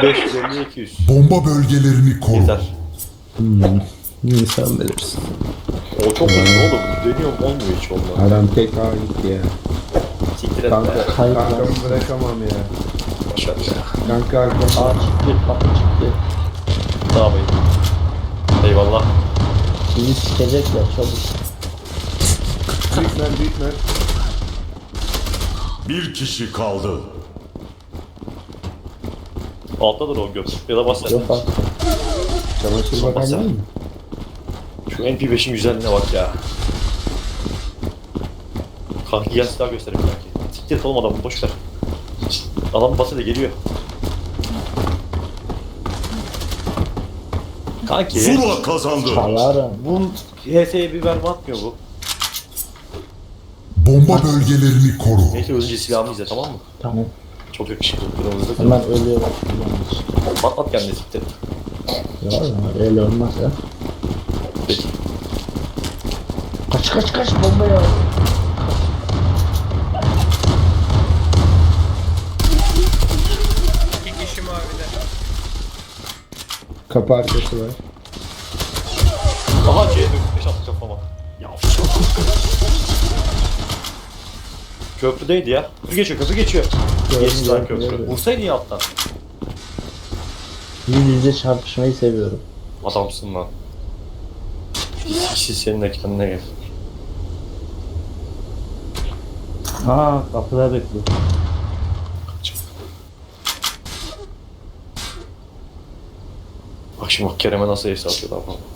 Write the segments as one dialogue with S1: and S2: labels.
S1: 550 200.
S2: Bomba bölgelerini koru.
S1: Yeter.
S3: Sen bilirsin.
S1: O çok uzun oğlum. Dönüyorum olmuyor hiç olmaz.
S3: Adam tek ağa gitti ya.
S1: Siktir et
S3: Kanka,
S1: be.
S3: kankamı bırakamam ya.
S1: Boşver ya.
S3: Kanka arkam.
S4: Aa çıktı, kapı çıktı.
S1: Tamam iyi. Eyvallah.
S4: Bizi sikecekler çabuk.
S3: Büyükmen.
S2: Bir kişi kaldı.
S1: Alttadır o göt. Ya da bas sen.
S4: Yok artık.
S3: Çamaşır bakan var mı?
S1: Şu MP5'in güzelliğine bak ya. Kanki gel silah göstereyim kanki. Siktir et oğlum adamı boşver. Adam basıyla geliyor. Kanki.
S2: Zula kazandı.
S4: Çalarım.
S1: Bu HS'ye bir verme atmıyor bu.
S2: Bomba bölgelerini koru.
S1: Neyse önce silahımı izle tamam mı?
S4: Tamam.
S1: Çok yakışıklı kırmızı.
S4: Hemen ölüyorum.
S1: At kendini siktir et.
S4: Ya öyle olmaz ya.
S1: Peki.
S4: Kaç bomba ya.
S5: İki kişi mavide.
S3: Kapı arkası var.
S1: Aha C5 attı kafama. Ya köprüdeydi ya. Köprü geçiyor. Geçti lan köprü. Vursaydı ya alttan.
S4: Yüz yüze çarpışmayı seviyorum.
S1: Adamsın lan. Kişi senin de kendine gel.
S4: Aa kapıda bekliyor.
S1: Bak şimdi bak Kerem'e nasıl ace atıyor daha falan.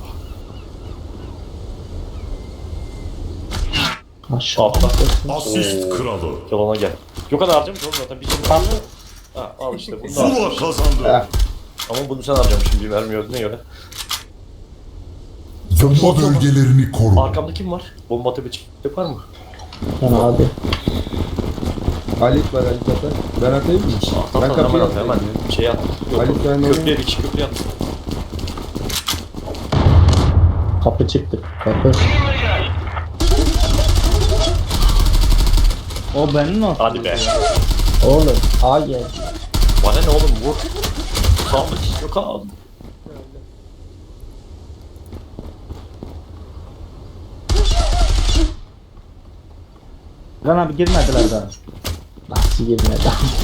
S4: Aşağı.
S1: Altta.
S2: Asist
S1: Oo.
S2: kralı.
S1: Yalana gel. Yok kadar harcamış oğlum zaten bir şey var. Ha al işte bunu da
S2: Zula
S1: harcamış.
S2: kazandı.
S1: Ama bunu sen harcamışsın bir vermiyordun göre.
S2: Bomba bölgelerini koru.
S1: Arkamda kim var? Bomba tepe çıkacak var mı?
S4: Yani abi.
S3: Halit var Halit atar. Ben atayım mı?
S1: At
S3: Ben
S1: at
S3: kapıyı
S1: hemen at hemen.
S3: atayım ya.
S1: Şey at. Yok,
S3: Ali, sen
S1: köprüye bir köprüye at.
S4: Kapı çıktı. Kapı. O benim o.
S1: Hadi be.
S4: Oğlum A gel.
S1: Bana ne oğlum vur. Tamam yok abi.
S4: Lan abi girmediler daha. Nasıl girmedi?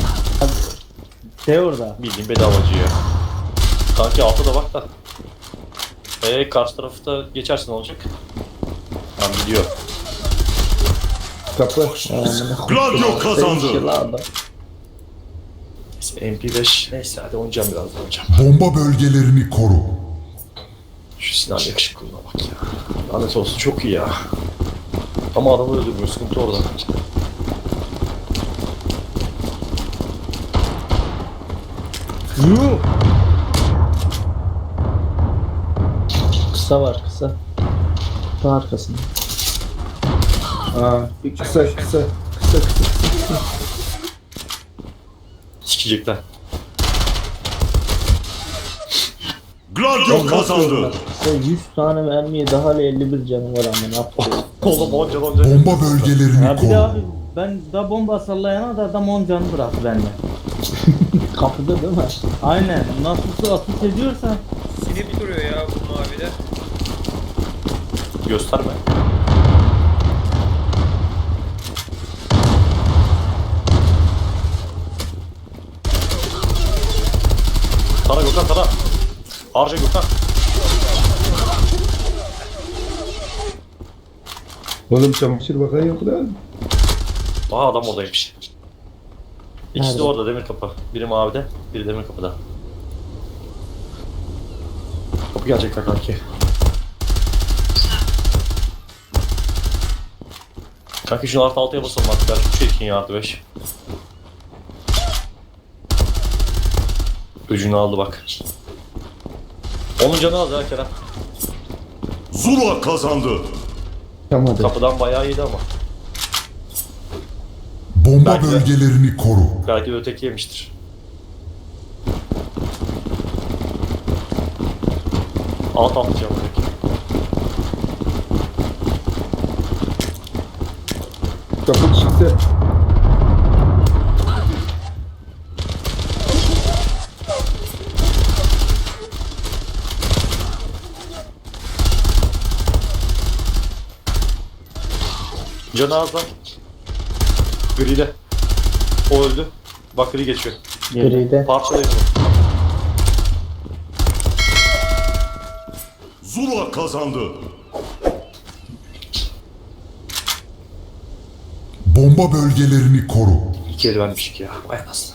S4: De orada.
S1: Bildiğin bedavacı ya. Kanki altta da bak da. Karşı tarafta geçersin olacak. Tamam gidiyor.
S3: Kapı.
S2: Gladio kazandı.
S1: Neyse MP5. Neyse hadi oynayacağım biraz daha oynayacağım.
S2: Bomba bölgelerini koru.
S1: Şu Sinan yakışıklılığına bak ya. Lanet olsun çok iyi ya. Ama adamı öldürmüyor sıkıntı orada.
S4: Kısa var kısa. Kapı arkasında.
S3: Aa, bir kısa.
S1: Sikecekler.
S2: Gladio kazandı.
S4: Kısa 100 tane mermiye daha 51 canı var ama ne yapıyor?
S1: Oğlum onca.
S2: Bomba bölgelerini
S6: Ya bir de
S2: koru.
S6: abi ben da bomba sallayana da adam 10 canı bıraktı bende.
S4: Kapıda değil mi?
S6: Aynen. Nasıl atış ediyorsa
S5: Silip duruyor ya bu mavide.
S1: Gösterme. Tara Gökhan tara. Harca Gökhan.
S3: Oğlum çamaşır bakan yok lan.
S1: Aha adam oradaymış. İkisi de
S4: Nerede?
S1: orada demir kapı. Biri mavide, biri demir kapıda. Kapı gelecekler kanki. Kanki şunu artı 6'ya basalım artık. Ben şu çirkin ya artı 5. Öcünü aldı bak. Onun canı az ya Kerem.
S2: Zula kazandı.
S3: Yapamadı.
S1: Kapıdan bayağı iyiydi ama.
S2: Bomba
S1: Belki de.
S2: bölgelerini koru.
S1: Belki de öteki yemiştir. Alt atacağım öteki.
S3: Kapı çıktı.
S1: Canı az lan. Gri'de. O öldü. Bak Gri geçiyor.
S4: Gride.
S1: Parçalayın onu.
S2: Zula kazandı. Bomba bölgelerini koru.
S1: İki el vermişik ya. Vay anasını.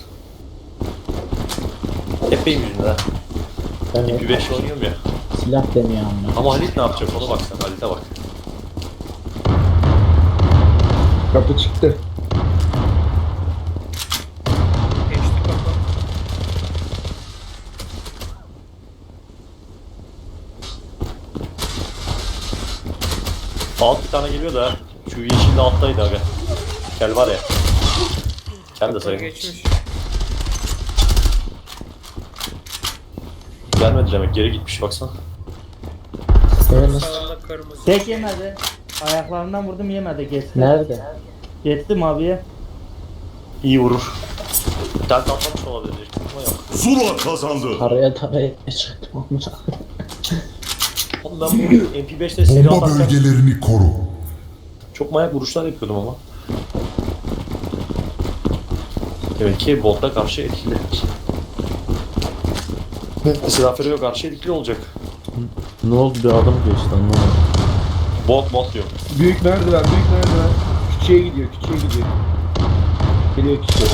S1: Hep benim yüzümden ha.
S4: Evet.
S1: Bir 5 oynuyorum ya.
S4: Silah deniyor ama.
S1: Ama Halit ne yapacak ona bak sen. Halit'e bak.
S3: Kapı çıktı.
S5: Geçti kafa.
S1: Alt bir tane geliyor da ha. Şu yeşilli alttaydı abi. Gel var ya. Gel de
S5: Kafa
S1: sayın.
S5: geçmiş.
S1: Gelmedi demek. Geri gitmiş baksana.
S4: Evet.
S5: Sağında kırmızı.
S6: Tek yemedi. Ayaklarından vurdum yemedi. Geçti.
S4: Nerede?
S6: Geçtim abiye.
S1: İyi vurur. Bir tane atlamış olabilir. Ama yok.
S2: Zula kazandı.
S4: Taraya çıktım ama.
S1: Oğlum ben bu MP5'te silah
S2: Bomba
S1: atarken
S2: bölgelerini koru.
S1: çok manyak vuruşlar yapıyordum ama. Demek ki Bolt'a karşı etkili. Silahfero'ya karşı etkili olacak.
S7: Ne oldu bir adam geçti anlamadım.
S1: Bolt diyor.
S3: Büyük merdiven, büyük merdiven. Küçüğe gidiyor, küçüğe gidiyor. Geliyor küçüğe.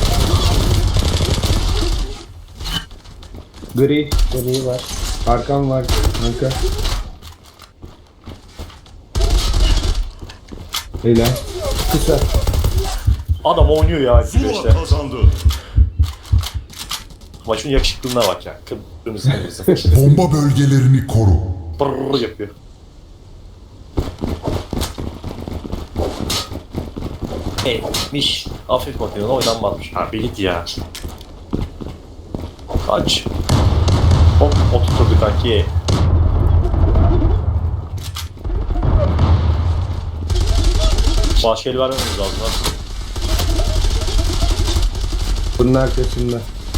S3: Gri,
S4: Gri var.
S3: arkam var kanka. Helal. Kısa.
S1: Adam oynuyor ya
S2: Zula
S1: MP5'te.
S2: kazandı.
S1: Maçın yakışıklılığına bak ya. Kırmızı kırmızı.
S2: Bomba bölgelerini koru.
S1: Brrrr yapıyor. Miş. Hafif makinede oynanmamış. Ha bilit ya. Kaç. Hop oturtturdu kanki. Başka el vermemiz lazım lan.
S3: Bunun arkasında.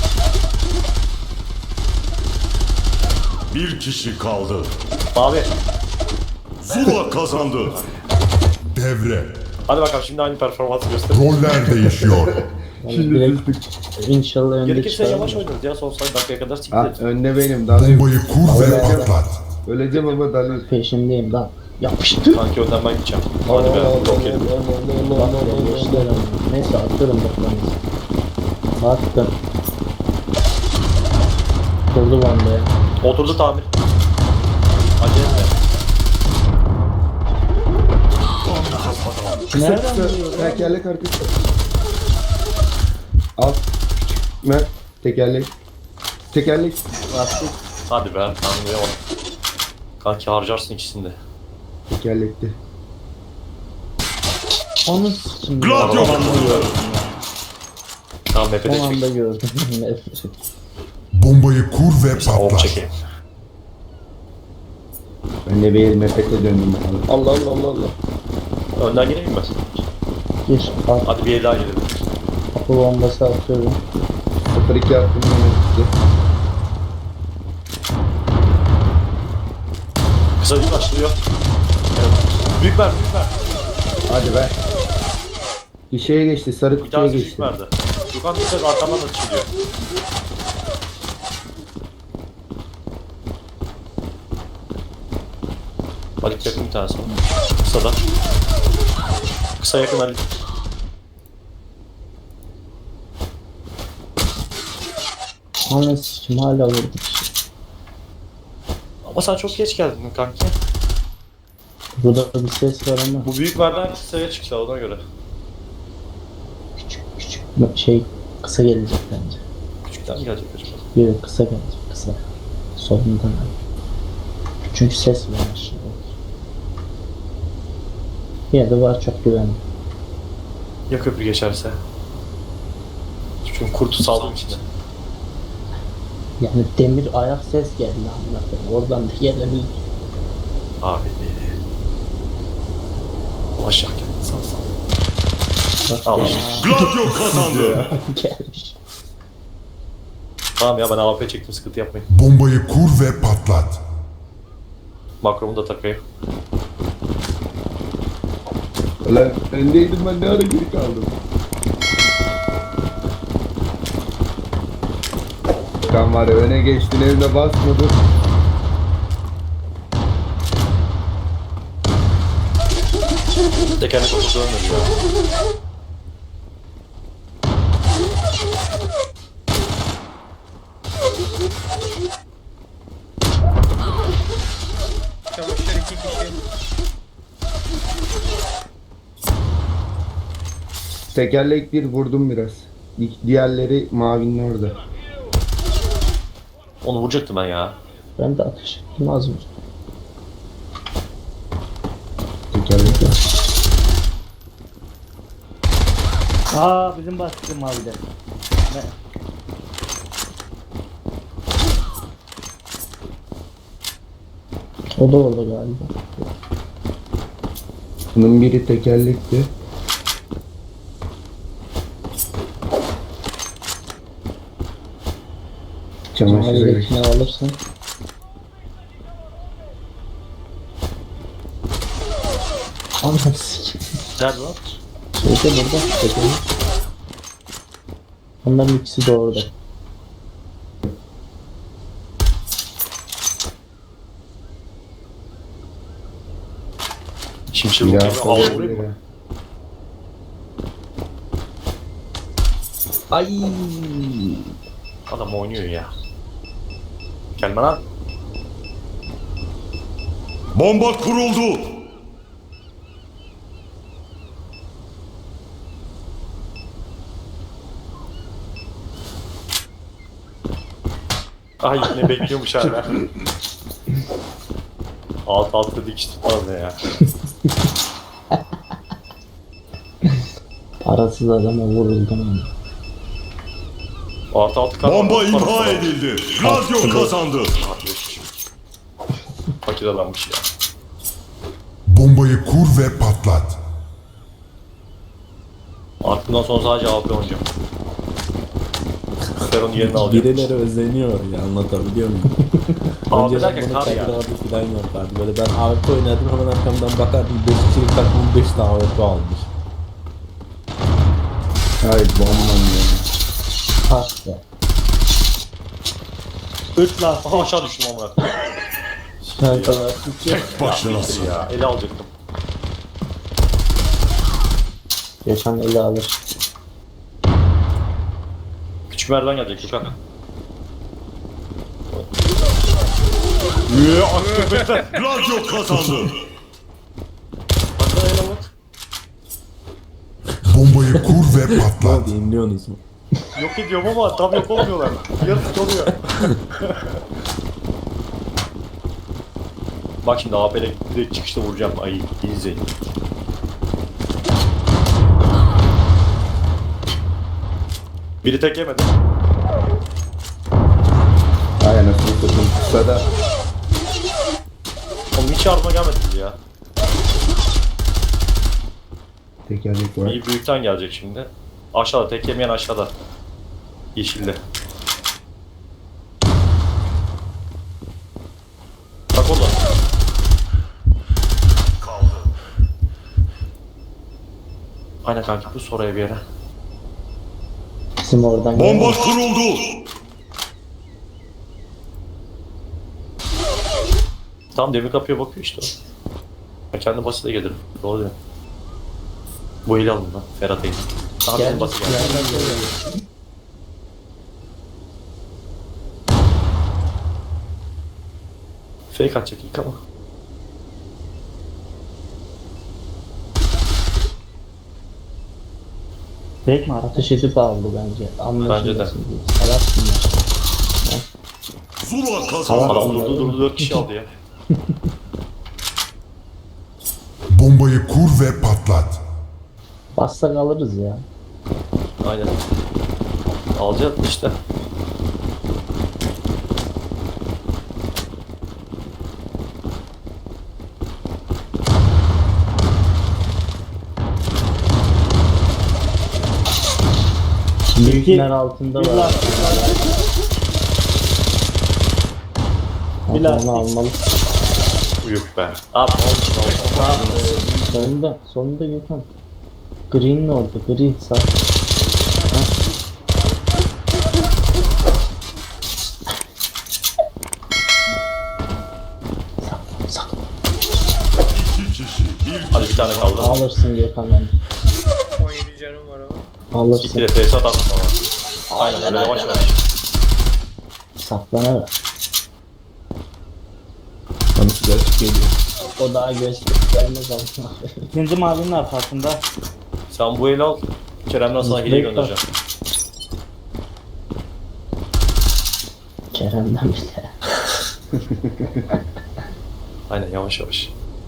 S2: Bir kişi kaldı.
S1: Abi
S2: Zula kazandı. Devre.
S1: hadi bakalım şimdi aynı performansı göster.
S2: Roller değişiyor.
S4: Yani direkt inşallah önde
S1: Gerekirse
S4: çıkar.
S1: yavaş oynarız ya son sayı dakikaya kadar
S3: Ha,
S1: siktir.
S3: önde benim. Dalayım.
S2: Bombayı kur ve patlat.
S3: Öleceğim ama dalayım.
S4: Peşindeyim lan. Yapıştır.
S1: Kanki önden ben gideceğim. Hadi be yok yedim.
S4: Bak ya geçtiler ama. Neyse atıyorum bakmanızı. Attım. Kurdu bandaya.
S1: Oturdu tamir. Acele etme.
S6: Nereden vuruyor?
S3: Tekerlek arkası. Al. Küçük. Mer. Tekerlek. Tekerlek.
S1: Hadi be tanrıya bak. Kanki harcarsın ikisini de.
S3: Tekerlekti.
S6: Onu sikim.
S2: Gladio
S1: Tamam.
S2: kazandı.
S1: Tamam Mepede
S4: Son anda
S1: çek.
S4: gördüm.
S2: Bombayı kur ve
S1: Hop
S2: patlat.
S1: çekeyim.
S3: Ben de bir mepete döndüm. Allah Allah Allah Allah.
S1: Önden gireyim mi?
S4: Gir. At.
S1: Hadi bir el daha girelim.
S4: Kapı bombası atıyorum.
S3: 0-2 attım yine.
S1: Kısa bir başlıyor. Evet. Büyük ver, büyük ver.
S3: Hadi be. Bir şeye geçti. Sarı
S1: Bir
S3: kutuya
S1: tanesi büyük
S3: geçti.
S1: verdi. Yukan bir ses arkamdan da çıkıyor. Halit yakın bir tanesi. Kısa da. Kısa yakın Halit.
S4: Anne sikim hala vurduk.
S1: Ama sen çok geç geldin kanki.
S4: Burada bir ses var ama
S1: Bu büyük verden kısaya çıktı ona göre.
S4: küçük şey kısa gelecek bence.
S1: Küçükten mi gelecek acaba?
S4: Yok kısa gelecek kısa. Solundan. Çünkü ses var aşağıda. Yine de var çok güvenli.
S1: Ya köprü geçerse? Çünkü kurtu saldım içinde.
S4: Yani demir ayak ses geldi anlatayım. Oradan da gelebilir.
S1: Abi. Aşağı gel. Sağ sağ.
S4: Bak
S1: Al
S4: ya,
S1: işte.
S2: Gladio kazandı.
S4: gelmiş.
S1: Tamam ya ben AWP çektim sıkıntı yapmayın.
S2: Bombayı kur ve patlat.
S1: Makromu da takayım.
S3: Lan öndeydim ben ne ara geri kaldım. Kan var ya öne geçtin evde basmadın.
S1: Tekerlek oturdu ölmedi ya.
S5: Çamaşır 2 kişi.
S3: Tekerlek bir vurdum biraz. Diğerleri mavinin orada.
S1: Onu vuracaktım ben ya.
S4: Ben de ateş ettim az önce.
S3: Tekerlek var.
S6: Aa bizim baskı mavide. Ne?
S4: O da orada galiba.
S3: Bunun biri tekerlekti. Çamaşır
S4: Mahalledekini alırsın. Anam sik.
S1: Nerede lan?
S4: Şeyde burada. Tekelim. Onların ikisi de orada.
S1: Şimşek
S3: Ya
S1: vurayım. Al vurayım mı?
S4: Ay.
S1: Adam oynuyor ya. Gelme lan.
S2: Bomba kuruldu.
S1: Ay yine bekliyormuş hala. Alt dikiş tutmaz ne ya.
S4: Parasız adama vuruldum.
S1: Alt kan.
S2: Bomba imha edildi. Gladio kazandı.
S1: Fakir adammış ya.
S2: Bombayı kur ve patlat.
S1: Artık bundan sonra sadece AP oynayacağım. Ben onun yerini alacağım.
S7: Birileri özeniyor ya, anlatabiliyor muyum?
S1: Abi
S7: Önceden
S1: derken
S7: bunu
S1: kar ya.
S7: kadrolarda falan yapardı. Böyle ben AWP oynadım, hemen arkamdan bakardım 5 kişilik takımın 5 tane AWP almış.
S3: Hayır bombam ya.
S4: Ah be.
S6: 3 lastik.
S1: Aha aşağı düştüm amına.
S4: Kankalar.
S2: Tek başınasın.
S1: Ya ele alacaktım.
S4: Yaşan eli alır.
S1: Küçük merdiven gelecek Gökhan.
S2: Gladio kazandı.
S1: Hatta ele bak.
S2: Bombayı kur ve
S7: Ne
S2: patlat.
S7: oldu, inliyorsunuz mu?
S1: Yok ediyorum ama tam yok olmuyorlar. Yarısı oluyor. Bak şimdi AP'le direkt çıkışta vuracağım. Ay iyi izleyin. Biri tek yemedi.
S3: Ay anasını satayım. Kısada.
S1: Oğlum hiç yardıma gelmediniz ya.
S3: Tekerlek var.
S1: İyi büyükten gelecek şimdi. Aşağıda tek yemeyen aşağıda. Yeşilli. Bak orada. Aynen kanka bu soruya bir yere.
S4: Bizim oradan
S2: Bomba kuruldu.
S1: Tam demir kapıya bakıyor işte o. Ben kendi basite gelirim. Doğru diyorum. Bu eli alın lan. Ferhat eli. Daha bizim basit geldi. Fake atacak ilk ama.
S6: Tek mi ara?
S4: ateş edip aldı bence.
S1: Bence de.
S4: Anlaşılmasın diye. Salarsın ya.
S2: Zula kazandı.
S1: Adam durdu 4 kişi aldı ya.
S2: Bombayı kur ve patlat.
S4: Bassak alırız ya.
S1: Aynen. Alacağız işte.
S4: Büyükler altında
S6: Bir
S4: var.
S6: lastik var. Bir
S4: Onu
S6: lastik.
S4: almalı.
S1: Uyuk be. Abi ne oldu? Ne oldu?
S4: Sonunda Gökhan. Green ne oldu? Gri sağ. Sakın.
S2: 2 kişi. Bir
S1: Hadi bir tane kaldı.
S4: Alırsın Gökhan bence.
S5: 17 canım var ama.
S4: Alırsın.
S1: Gitti de tesisat attım ama. Aynen öyle yavaş yavaş.
S4: Saklanarak.
S7: Hani size açık geliyor.
S4: O daha gelmez ama.
S6: İkinci mavinin arkasında.
S1: Sen bu eli al. Kerem'den sana hediye
S4: Bekle.
S1: göndereceğim.
S4: Kerem'den bile.
S1: Aynen yavaş yavaş.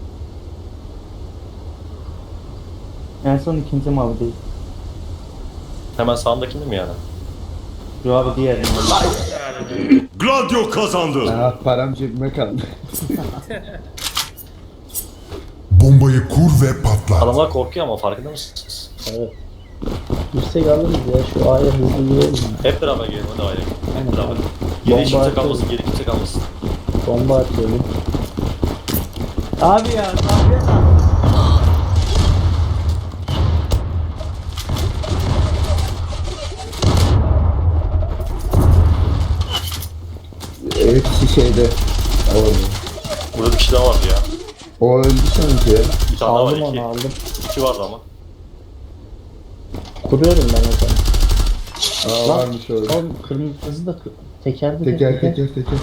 S6: En son ikinci mavi değil.
S1: Hemen sağındakinde mi yani?
S6: Yo abi diğer mavi.
S2: Gladio kazandı.
S3: Param cebime kaldı.
S2: Bombayı kur ve patlat.
S1: Adamlar korkuyor ama farkında mısınız?
S4: Evet. Yüksek alırız ya şu A'ya hızlı girelim.
S1: Hep beraber gelin hadi aile.
S4: Aynen.
S1: Hep beraber. Geri hiç
S4: Bomba
S1: kimse kalmasın,
S4: atıyoruz.
S1: geri kimse kalmasın.
S4: Bomba atıyorum.
S6: Abi ya kahve
S3: Hepsi şeyde.
S1: Burada bir kişi daha vardı ya.
S3: O öldü sanki ya.
S1: Bir tane daha var
S4: Aldım
S1: iki.
S4: onu aldım.
S1: İki vardı ama.
S4: Kuruyorum ben o zaman. Lan,
S3: Varmış orada.
S4: Oğlum kırmızı da tekerde
S3: Teker teker teker.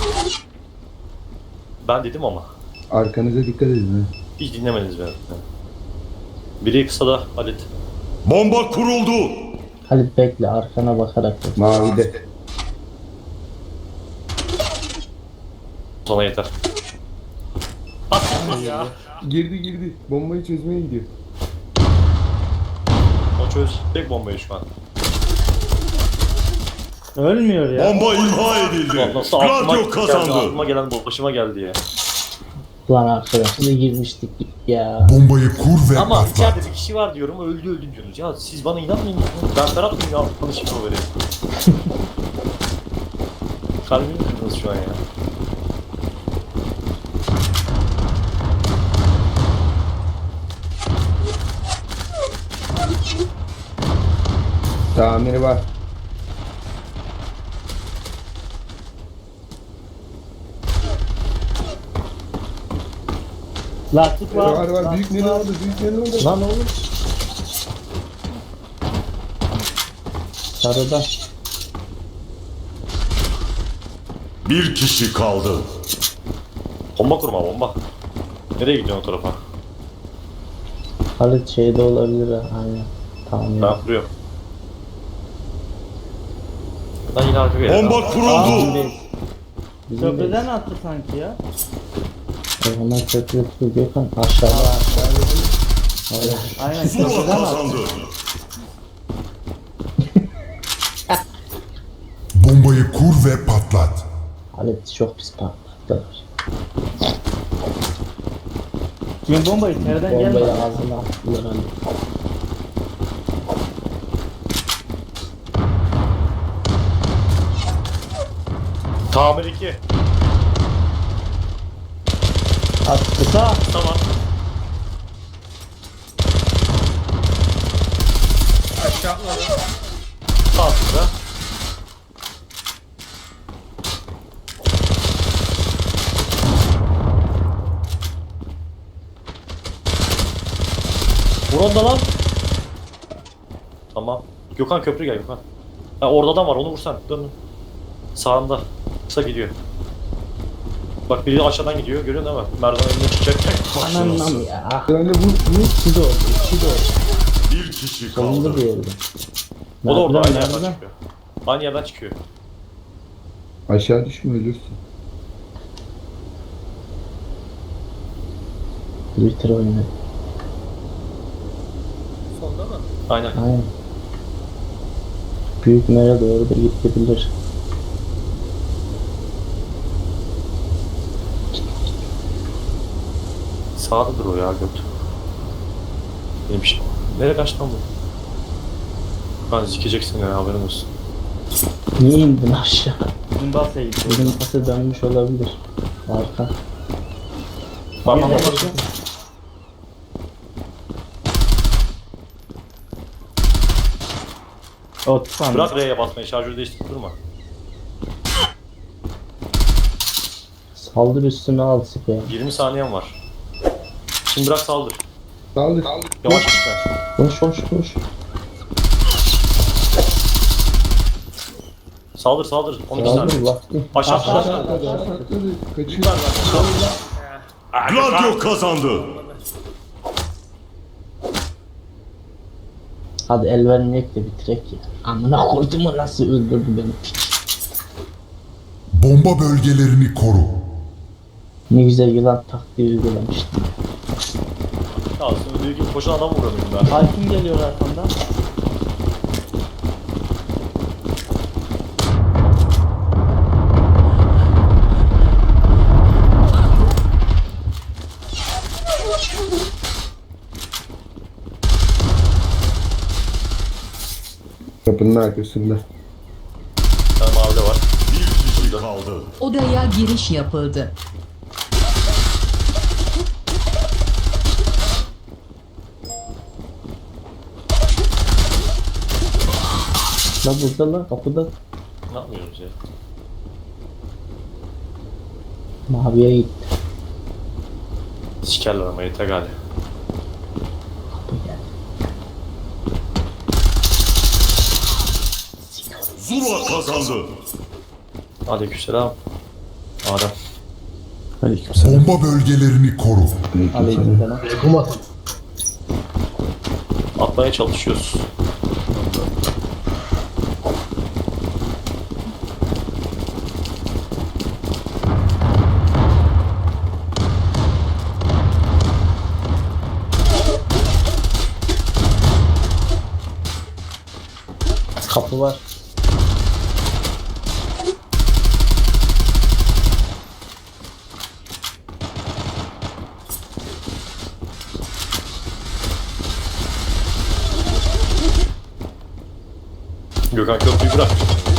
S1: Ben dedim ama.
S3: Arkanıza dikkat edin ha.
S1: Hiç dinlemediniz beni. Biri kısa da Halit.
S2: Bomba kuruldu.
S4: Hadi bekle arkana bakarak yap.
S3: Mavide.
S1: Sana yeter.
S3: Girdi. Bombayı çözmeye gidiyor.
S1: O çözecek bombayı şu an.
S6: ölmüyor ya.
S2: Bomba imha edildi.
S1: Ulan nasıl aklıma
S2: Gladio
S1: geldi,
S2: kazandı.
S1: aklıma gelen başıma geldi ya.
S4: Lan arkadaş ne girmiştik ya.
S2: Bombayı kur ve
S1: Ama
S2: patlat.
S1: içeride bir kişi var diyorum öldü diyorsunuz. Ya siz bana inanmayın. Ben Ferhat mıyım ya? Arkadaşım o vereyim. Kalbimi kırdınız şu an ya.
S3: Tamiri var.
S6: Lastik var.
S3: Var. Büyük ne oldu?
S4: Lan oğlum. Sarıda.
S2: Bir kişi kaldı.
S1: Bomba kurma bomba. Nereye gidiyorsun o tarafa?
S4: Halit şeyde olabilir ha. Aynen. Tamam ya.
S1: Ben kuruyorum. Buradan yine arka geliyor.
S2: Bomba kuruldu.
S4: Bizim de.
S6: Köprüden attı sanki ya.
S4: O zaman köprü Gökhan aşağıda. Aynen.
S6: Aynen
S2: Zula
S6: köprüden attı.
S2: kazandı. Bombayı kur ve patlat.
S4: Halit çok pis patladılar.
S6: Çünkü bomba içeriden
S4: Bombayı
S6: gelmedi.
S4: ağzına attılar Halit.
S1: Tamir 2.
S6: Kısa.
S1: Tamam.
S5: Aşağı atladı.
S1: Sağ sıra. Vur onda lan. Tamam. Gökhan köprü gel Gökhan. Ha, orada adam var onu vursan. Dön. Sağında. Kısa gidiyor. Bak biri aşağıdan gidiyor. Görüyorsun değil mi? Merdiven önüne çıkacak.
S4: Anam ya.
S3: Yani bu
S4: İki de oldu. İki de oldu.
S2: Bir kişi
S4: Sonunda
S2: kaldı.
S4: bir yerde.
S1: O da orada aynı
S4: Nereden?
S1: yerden çıkıyor. Aynı yerden çıkıyor.
S3: aşağı düşme ölürsün.
S4: Twitter oyunu.
S5: Solda mı?
S1: Aynen.
S4: Aynen. Büyük mera doğru da gidebilir.
S1: Sağdadır o ya göt. Benim şey. Nereye kaçtı lan bu? Ben zikeceksin ya haberin olsun.
S4: Niye indin aşağı?
S6: Bizim basaya gitti.
S4: Bizim pası dönmüş olabilir. Arka.
S1: Bak
S6: Bir
S1: bak
S6: de
S1: bak.
S6: bakın. 30 saniye.
S1: Bırak R'ye basmayı, şarjörü değiştirip durma.
S4: Saldır üstüne al sprey.
S1: 20 saniyen var. Şimdi bırak saldır.
S3: Saldır.
S1: Yavaş gitme.
S4: Koş koş koş.
S1: Saldır saldır. 12
S4: Saldır
S1: saniye.
S4: vakti.
S1: Aşağı
S3: Atladı,
S1: aşağı.
S3: atladı. Kaçıyor.
S2: Gladio kazandı.
S4: Hadi el vermeyek de bitirek ya. Amına koydum mu nasıl öldürdü beni.
S2: Bomba bölgelerini koru.
S4: Ne güzel yılan taktiği uygulamıştım.
S1: Ya aslında öldüğü gibi koşan adam vuramıyorum ben.
S6: Hakim geliyor arkamdan.
S3: Kapının arkasında.
S1: Bir tane mavi de var.
S2: Bir kişi kaldı.
S8: Odaya giriş yapıldı.
S4: La burada la kapıda.
S1: Ne yapıyoruz ya?
S4: Maviye gitti.
S1: Sikerler ama yeter galiba.
S4: Kapı geldi.
S2: Zula kazandı.
S1: Aleykümselam. Adem.
S7: Aleykümselam.
S2: Bomba bölgelerini koru.
S4: Aleykümselam.
S1: Atmaya çalışıyoruz.
S4: Kapı var.
S1: Gökhan köprüyü bırak.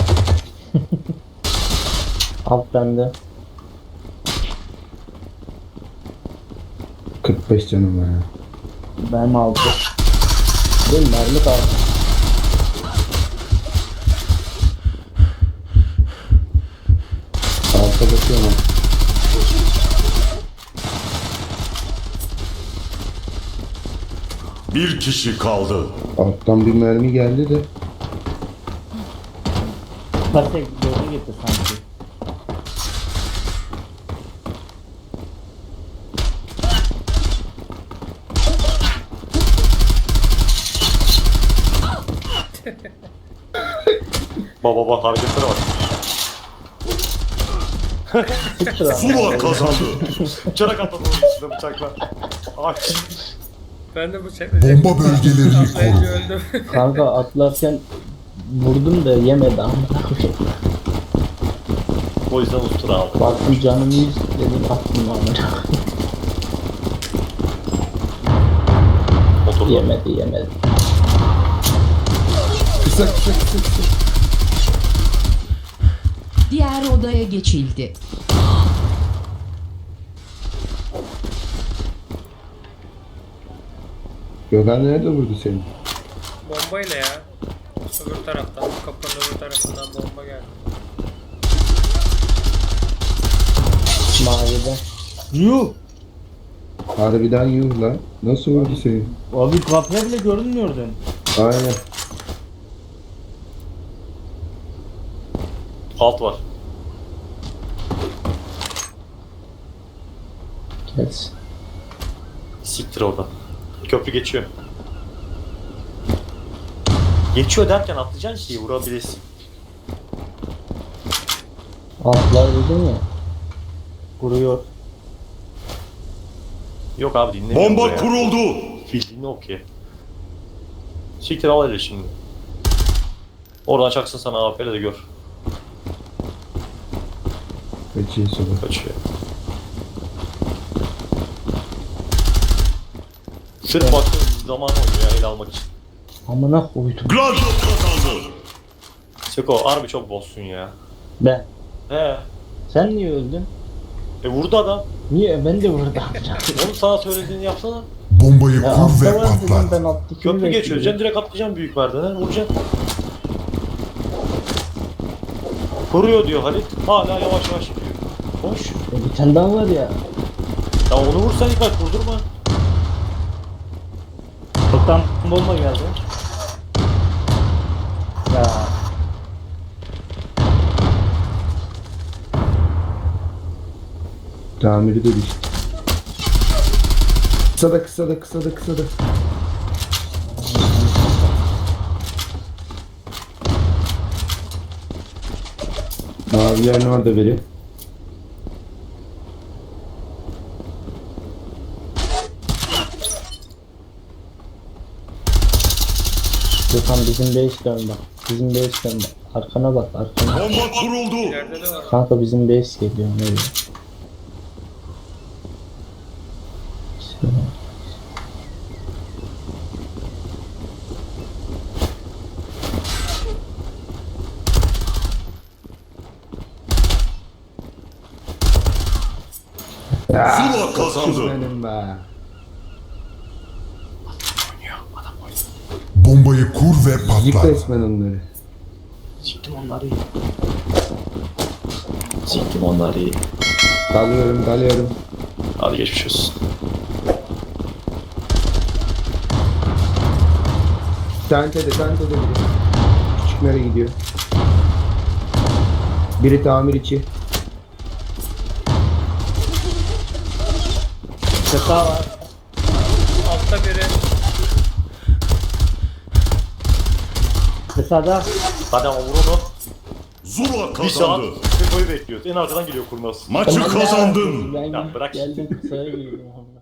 S4: Alt bende.
S3: 45 canım var ya.
S4: Benim altı. Benim mermi kaldı.
S3: Alta bakıyorum.
S2: Bir kişi kaldı.
S3: Alttan bir mermi geldi de.
S6: Patek doğru gitti sanki.
S1: Baba bak hareketlere bak.
S2: Zula kazandı.
S1: Çarak atladı onun üstüne bıçakla. Ay.
S5: Ben de bıçaklayacağım.
S2: Bomba bölgelerini
S5: Atlayınca
S2: koru.
S5: öldüm.
S4: Kanka atlarken vurdum da yemedi amına koyayım.
S1: O yüzden ustura aldı.
S4: Baktım canım 100 dedim attım amına.
S1: Oturdu.
S4: Yemedi.
S3: Kısa.
S8: Diğer odaya geçildi.
S3: Gökhan nerede vurdu seni?
S5: Bombayla ya. Öbür taraftan, kapının öbür tarafından bomba geldi.
S4: Mavide.
S6: Yuh!
S3: Harbiden yuh lan. Nasıl vurdu seni?
S6: Abi kapıya bile görünmüyordun.
S3: Aynen.
S1: Alt var.
S4: Gelsin.
S1: Siktir orada. Köprü geçiyor. Geçiyor derken atlayacaksın şeyi vurabilirsin.
S4: Altlar dedim ya.
S6: Kuruyor.
S1: Yok abi dinlemiyor.
S2: Bomba kuruldu.
S1: Bildiğini okuyor. Siktir al hele şimdi. Oradan çaksın sana AWP'le de gör.
S3: Kaçıyor sonra.
S1: Kaçıyor. Sırf baktığın zaman oynuyor ya el almak için.
S4: Amına koydum.
S2: Gladio kazandı.
S1: Seko harbi çok boss'sun ya.
S4: Ben.
S1: He.
S4: Sen niye öldün?
S1: Vurdu adam.
S4: Niye? Ben de vurdum.
S1: Onu sana söylediğini yapsana.
S2: Bombayı
S4: Ya
S2: kur ve
S4: altta var dedim
S2: patlat.
S4: ben alttakini
S1: Köprü
S4: bekliyorum.
S1: geçiyor. Sen direkt atlayacaksın büyük merdivene vuracaksın. Kuruyor diyor Halit. Hala yavaş yavaş gidiyor. Boş.
S6: Bir tane daha var ya.
S1: Ya onu vursan yıkar, kurdurma.
S6: Çoktan bomba geldi. Ya.
S3: Tamiri de düştü. Kısa da. Mavilerin orada biri.
S6: Gökhan bizim base dön bak. Bizim base dön bak. Arkana bak arkana.
S2: Bomba kuruldu.
S5: İleride de var.
S6: Kanka bizim base geliyor. Nereye?
S2: Zula kazandı.
S3: Benim be.
S9: Bombayı kur ve
S3: Yık
S9: patlat.
S3: resmen onları.
S1: Siktim onları. Siktim onları.
S3: Dalıyorum.
S1: Hadi geçmiş olsun.
S3: Tente de biri. Küçük nereye gidiyor? Biri tamir içi.
S6: Kısa var.
S5: Altta biri.
S6: Kısada.
S1: Hadi ama vur onu.
S2: Zula
S1: Bir saat
S2: kazandı.
S1: Seko'yu bekliyoruz. En arkadan geliyor kurnaz.
S2: Maçı kazandın.
S6: Ben
S1: Ya bırak.
S6: geldim kısaya girdim.